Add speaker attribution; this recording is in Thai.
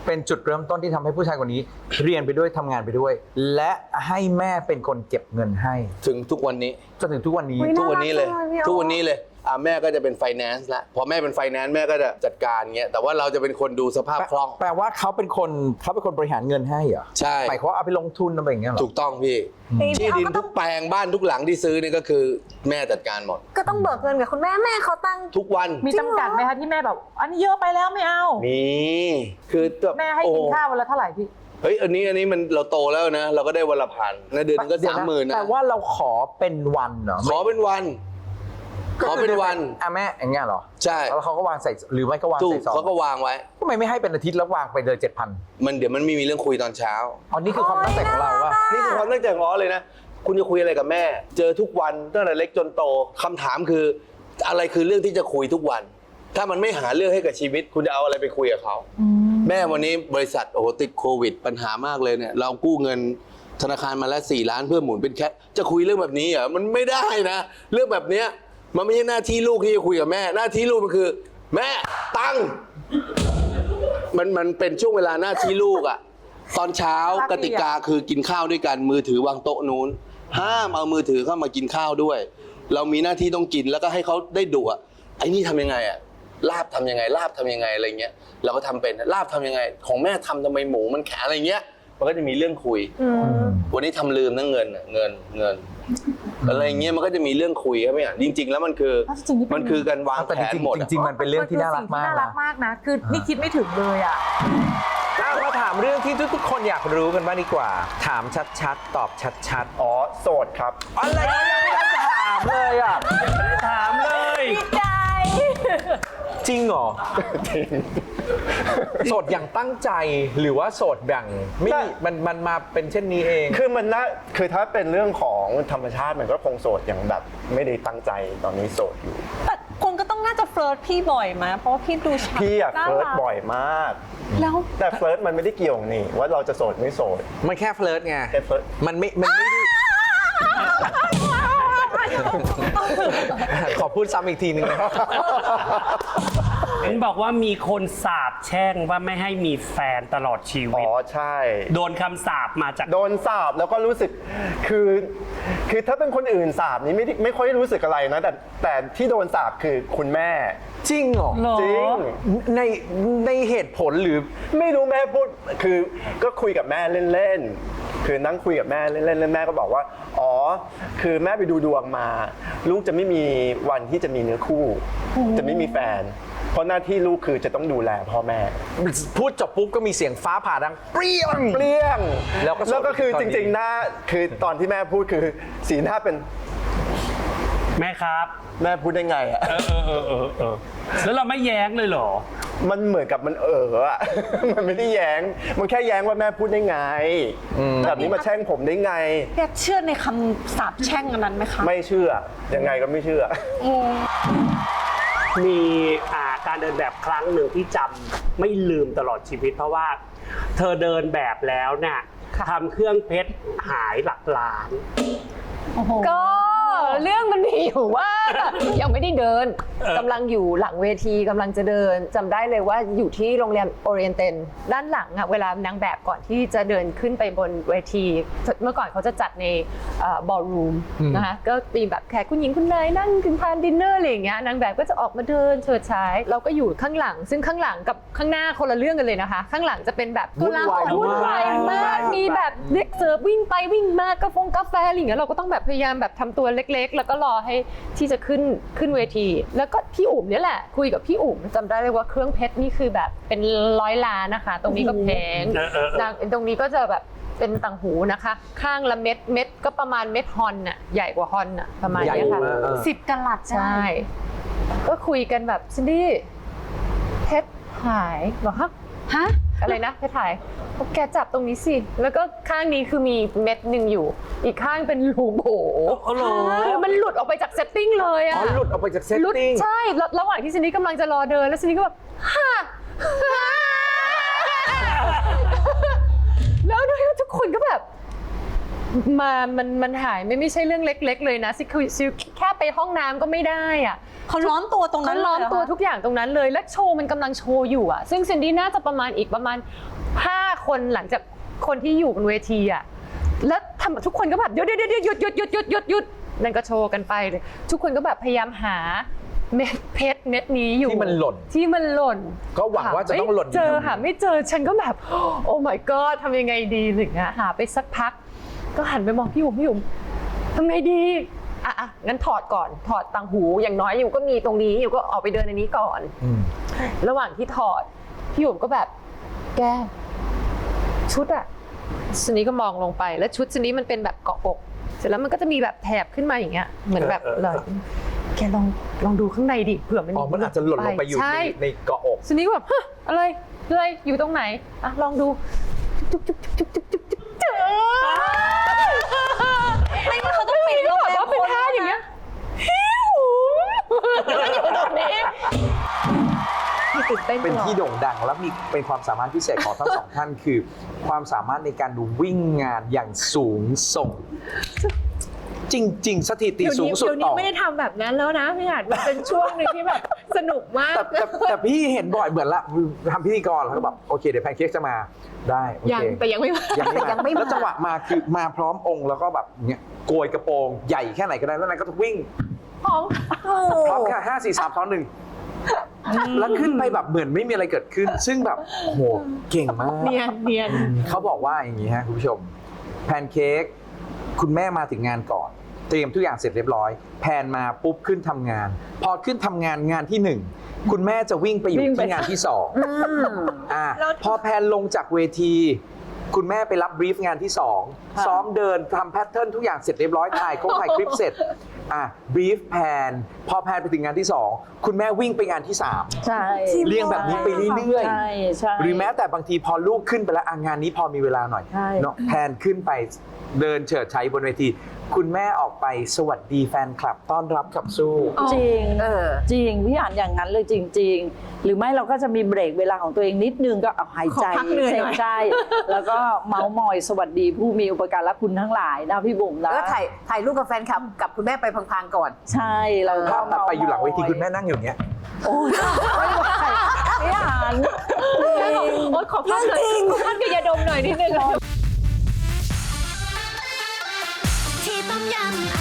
Speaker 1: เป็นจุดเริ่มต้นที่ทำให้ผู้ชายคนนี้เรียนไปด้วยทำงานไปด้วย และให้แม่เป็นคนเก็บเงินให้
Speaker 2: ถึงทุกวันนี้
Speaker 1: จนถึงทุกวันนี้
Speaker 2: ทุกวันนี้เลยทุกวันนี้เลยแม่ก็จะเป็นไฟแนนซ์ละพอแม่เป็นไฟแนนซ์แม่ก็จะจัดการเงี้ยแต่ว่าเราจะเป็นคนดูสภาพคล่อง
Speaker 1: แปลว่าเขาเป็นคนบริหารเงินให้เหรอ
Speaker 2: ใช่
Speaker 1: หมายความว่าเอาไปลงทุนอะไรอย่างเงี้ยเหรอ
Speaker 2: ถูกต้องพี่ที่ดินทุกแปลงบ้านทุกหลังที่ซื้อนี่ก็คือแม่จัดการหมด
Speaker 3: ก็ต้องเบิกเงินกับคุณแม่เขาตั้ง
Speaker 2: ทุกวัน
Speaker 4: มีจำกัดไหมคะที่แม่แบบอันนี้เยอะไปแล้วไม่เอา
Speaker 2: มีคือ
Speaker 4: แม่ให้กินข้าววันละเท่าไหร่พี่
Speaker 2: เฮ้ยอันนี้มันเราโตแล้วนะเราก็ได้วันละพันนะเดือนก็30,000นะ
Speaker 1: แต่ว่าเราขอเป็นวันเหรอ
Speaker 2: ขอเป็นวัน
Speaker 1: แม่อย่างเงี้ยเหรอ
Speaker 2: ใช่
Speaker 1: แล้วเขาก็วางใส่หรือไม่ก็วางใส่ซอง
Speaker 2: เขาก็วางไว้
Speaker 1: ทำไมไม่ให้เป็นอาทิตย์แล้ววางไปเลย7,000
Speaker 2: มันเดี๋ยวมันไม่มีเรื่องคุยตอนเช้า
Speaker 1: อ๋อนี่คือความตั้งใจของเราว่ะ
Speaker 2: นี่คือความตั้งใจของเราเลยนะคุณจะคุยอะไรกับแม่เจอทุกวันตั้งแต่เล็กจนโตคำถามคืออะไรคือเรื่องที่จะคุยทุกวันถ้ามันไม่หาเรื่องให้กับชีวิตคุณจะเอาอะไรไปคุยกับเขาแม่วันนี้บริษัทโอ้โหติดโควิดปัญหามากเลยเนี่ยเรากู้เงินธนาคารมาแล้ว4 ล้านเพื่อหมุนเป็นแค่จะคุยเรื่องแบบนี้เหรอมันไม่ได้นะเรื่องแบบเนี้ยมันไม่ใช่หน้าที่ลูกที่จะคุยกับแม่หน้าที่ลูกมันคือแม่ตังค์มันเป็นช่วงเวลาหน้าที่ลูกอะตอนเช้ากติกาคือกินข้าวด้วยกันมือถือวางโต๊ะนู้นห้ามเอามือถือเข้ามากินข้าวด้วยเรามีหน้าที่ต้องกินแล้วก็ให้เขาได้ดูอะไอ้นี่ทำยังไงอะลาบทำยังไงอะไรเงี้ยเราก็ทำเป็นลาบทำยังไงของแม่ทำไมหมูมันแข็งอะไรเงี้ยมันก็จะมีเรื่องคุยวันนี้ทำลืมนะเงินอะไรเงี้ยมันก็จะมีเรื่องคุยครับพี่อ่ะจริงๆแล้วมันคือการวางแผนหมด
Speaker 1: จริงๆมันเป็นเรื่องที่น่ารักมาก
Speaker 4: นะคือนี่คิดไม่ถึงเลยอ่ะ
Speaker 1: มาถามเรื่องที่ทุกคนอยากรู้กันบ้างดีกว่าถามชัดๆตอบชัดๆ
Speaker 5: อ๋อโสดครับ
Speaker 1: อะไรยังไม่ได้ถามเลยอ่ะ
Speaker 5: ถามเลย
Speaker 3: ดีใจ
Speaker 1: จริงเหรอโสดอย่างตั้งใจหรือว่าโสดอย่างไม่มันมาเป็นเช่นนี้เอง
Speaker 5: คือถ้าเป็นเรื่องของธรรมชาติมันก็คงโสดอย่างแบบไม่ได้ตั้งใจตอนนี้โสดอยู่
Speaker 3: แต่คุณก็ต้องน่าจะเฟลิร์ตพี่บ่อยไหมเพราะว่าพี่ดูชัด
Speaker 5: พี่อะเฟลิร์ตบ่อยมาก
Speaker 3: แล้ว
Speaker 5: แต่เฟลิร์ตมันไม่ได้เกี่ยวนี่ว่าเราจะโสดไม่โสด
Speaker 1: มันแค่เฟลิร์ตไง
Speaker 5: แค่เฟลิร์ต
Speaker 1: มันไม่ได้ขอพูดซ้ำอีกทีนึงนะ
Speaker 6: เห็นบอกว่ามีคนสาปแช่งว่าไม่ให้มีแฟนตลอดชีวิต
Speaker 5: อ๋อใช่
Speaker 6: โดนคำสาปมาจาก
Speaker 5: โดนสาปแล้วก็รู้สึกคือถ้าเป็นคนอื่นสาปนี้ไม่ค่อยรู้สึกอะไรนะแต่ที่โดนสาปคือคุณแม่
Speaker 1: จริงเหรอ
Speaker 5: จริง
Speaker 1: ในเหตุผลหรือ
Speaker 5: ไม่รู้แม่พูดคือก็คุยกับแม่เล่นๆคือนั่งคุยกับแม่เล่นๆแม่ก็บอกว่าอ๋อคือแม่ไปดูดวงมาลูกจะไม่มีวันที่จะมีเนื้อคู่จะไม่มีแฟนเพราะหน้าที่ลูกคือจะต้องดูแลพ่อแม่
Speaker 1: พูดจบปุ๊บก็มีเสียงฟ้าผ่าดังเปรี้ยง
Speaker 5: แล้วก็คือจริงๆหน้าคือตอนที่แม่พูดคือสีหน้าเป็น
Speaker 6: แม่ครับ
Speaker 5: แม่พูดได้ไงอ่ะ
Speaker 6: แล้วเราไม่แย้งเลยเหรอ
Speaker 5: มันเหมือนกับมันอะมันไม่ได้แย้งมันแค่แย้งว่าแม่พูดได้ไงแบบนี้มาแช่งผมได้ไง
Speaker 3: แกเชื่อในคำสาปแช่งอันนั้นไหมคะ
Speaker 5: ไม่เชื่อยังไงก็ไม่เชื่อ
Speaker 6: มีการเดินแบบครั้งหนึ่งที่จำไม่ลืมตลอดชีวิตเพราะว่าเธอเดินแบบแล้วเนี่ยทำเครื่องเพชรหายหลักล้าน
Speaker 7: ก็เรื่องมันมีอยู่ว่ายังไม่ได้เดินกำลังอยู่หลังเวทีกำลังจะเดินจำได้เลยว่าอยู่ที่โรงแรมโอเรียนเตนด้านหลังอะเวลานางแบบก่อนที่จะเดินขึ้นไปบนเวทีเมื่อก่อนเขาจะจัดในบอลรูมนะคะก็มีแบบแขกคุณหญิงคุณนายนั่งกินทานดินเนอร์อะไรอย่างเงี้ยนางแบบก็จะออกมาเดินเฉิดฉายเราก็อยู่ข้างหลังซึ่งข้างหลังกับข้างหน้าคนละเรื่องกันเลยนะคะข้างหลังจะเป็นแบบ
Speaker 1: วุ่นวาย
Speaker 7: มากมีแบบเด็กเสิร์ฟวิ่งไปวิ่งมากาแฟอะไรอย่างเงี้ยเราก็ต้องแบบพยายามแบบทำตัวเล็กๆแล้วก็รอให้ที่จะขึ้นเวทีแล้วก็พี่อุ๋มเนี่ยแหละคุยกับพี่อุ๋มจำได้เลยว่าเครื่องเพชรนี่คือแบบเป็น100 ล้านนะคะตรงนี้ก็แพงตรงนี้ก็จะแบบเป็นต่างหูนะคะข้างละเม็ดก็ประมาณเม็ดฮอนน่ะใหญ่กว่าฮอนน่ะประมาณนี้ค่ะ
Speaker 3: 10 กะรัต
Speaker 7: ใช่ก็คุยกันแบบซินดี้เพชรหายบอกฮะอะไรนะเพชรหายแกจับตรงนี้สิแล้วก็ข้างนี้คือมีเม็ดหนึ่งอยู่อีกข้างเป็นรูโบคือมันหลุดออกไปจากเซตติ้งเลยอะ
Speaker 1: หลุดออกไปจากเซตติ้ง
Speaker 7: ใช่ระหว่างที่ซินดี้กำลังจะรอเดินแล้วซินดี้ก็แบบฮ่าแล้วทุกคนก็แบบมันหายไม่ใช่เรื่องเล็ก ๆ เลยนะซิวแค่ไปห้องน้ำก็ไม่ได้อ่ะ
Speaker 3: เขาล้อมตัวตรงนั้
Speaker 7: เขา
Speaker 3: น
Speaker 7: ล้อมตัว
Speaker 3: เลยเหร
Speaker 7: ทุกอย่างตรงนั้นเลย และโชว์มันกำลังโชว์อยู่อ่ะ ซึ่งซินดี้น่าจะประมาณ5 คนหลังจากคนที่อยู่บนเวทีอ่ะ แล้วทำทุกคนก็แบบหยุดนั่นก็โชว์กันไปเลยทุกคนก็แบบพยายามหาเม็ดเพชรเม็ดนี้อยู่
Speaker 1: ที่มันหล่นก็หวังว่าจะต้องหล่น
Speaker 7: ไม่เจอหาไม่เจอฉันก็แบบโอ้ my god ทำยังไงดีหนึ่งอะหาไปสักพัก ก็หันไปมองพี่หยุ่มทำไงดีอ่ะงั้นถอดก่อนถอดต่างหูอย่างน้อยอยู่ก็มีตรงนี้อยู่ก็ออกไปเดินอันนี้ก่อน ระหว่างที่ถอดพี่หยุ่มก็แบบแกชุดอะชุดนี้ก็มองลงไปแล้วชุดชุดนี้มันเป็นแบบเกาะอกเสร็จแล้วมันก็จะมีแบบแถบขึ้นมาอย่างเงี้ยเหมือนแบบเลยแกลองดูข้างในดิเผื่อมัน
Speaker 1: มันอาจจะหล่นลงไปอยู่
Speaker 7: ใช่
Speaker 1: ในเกาะอก
Speaker 7: ชุดนี้ก็แบบฮะอะไรอยู่ตรงไหนอ่ะลองดูจุ๊บเจอ
Speaker 3: ไม่งั้นเขาต้องปิดโรงแรม
Speaker 7: ว่าเป็นท่าอย่างเงี้ยฮิวอยู่ตรงนี้พี่ตื่นเต้น
Speaker 1: เป็นที่โด่งดังและมีเป็นความสามารถพิเศษของทั้งสองท่านคือ ความสามารถในการดูวิ่งงานอย่างสูงส่ง จริง ๆ สถิติสูงสุด
Speaker 7: เดี๋ยว
Speaker 1: ต่
Speaker 7: นี้
Speaker 1: อ
Speaker 7: ไม่ได้ทำแบบนั้นแล้วนะพี่อาจมันเป็นช่วงหนึ่งที่แบบสนุกมาก
Speaker 1: แต่พี่เห็นบ่อยเหมือนละทำพิธีกรแล้วก็แบบโอเคเดี๋ยวแพนเค้กจะมาได้โอเค
Speaker 7: แต่ยังไม่มา
Speaker 1: ยังไม่มาแล้วจังหวะมาคือมาพร้อมองค์แล้วก็แบบเนี้ยโกยกระโปรงใหญ่แค่ไหนก็ได้แล้วนายก็จะวิ่ง
Speaker 7: พร้อม
Speaker 1: พร้อมแค่5 4 3 2 1แล้วขึ้นไปแบบเหมือนไม่มีอะไรเกิดขึ้น ซึ่งแบบโอ้โหเก่งมาก
Speaker 7: เนียน
Speaker 1: เขาบอกว่าอย่างนี้ฮะคุณผู้ชมแพนเค้กคุณแม่มาถึงงานก่อน เตรียมทุกอย่างเสร็จเรียบร้อยแพนมาปุ๊บขึ้นทำงาน พอขึ้นทำงานที่ 1 คุณแม่จะวิ่งไปอยู่ที่งานที่2พอแพนลงจากเวที คุณแม่ไปรับบรีฟงานที่ 2 ซ้อมเดินทำแพทเทิร์นทุกอย่างเสร็จเรียบร้อยถ่ายคลิปเสร็จบรีฟแพนพอแพนไปถึงงานที่ 2 คุณแม่วิ่งไปงานที่ 3
Speaker 8: ใช่
Speaker 1: เรียงแบบนี้ไปเรื่อย
Speaker 8: ใช่ใช่
Speaker 1: หรือแม้แต่บางทีพอลูกขึ้นไปแล้วงานนี้พอมีเวลาหน่อย
Speaker 8: ใช่
Speaker 1: เนาะแพนขึ้นไปเดินเฉิดฉายบนเวที คุณแม่ออกไปสวัสดีแฟนคลับต้อนรับขับสู้
Speaker 8: จริงจริงพี่อ่านอย่างนั้นเลยจริง ๆ หรือไม่เราก็จะมีเบรกเวลาของตัวเองนิดนึงก็เอาหายใจ
Speaker 7: ขอพักเหนื่อยหน่อย
Speaker 8: เซ็งใจแล้วก็เมาส์มอยสวัสดีผู้มีอุปการะคุณทั้งหลายนะพี่บุ๋มนะ
Speaker 4: แล้วถ่ายรูปกับแฟนคลับกับคุณแม่ไปพลางๆก่อน
Speaker 8: ใช่เราก็
Speaker 1: ภาพตัดไปอยู่หลังเวที
Speaker 8: ม
Speaker 1: คุณแม่นั่งอยู่อย่างเงี้ย
Speaker 8: โอ้ยพี่อ่าน
Speaker 7: โอ๊ยขอพักหน่อยขอพักกับยาดมหน่อยนิดนึง
Speaker 9: ที่ต้มยำ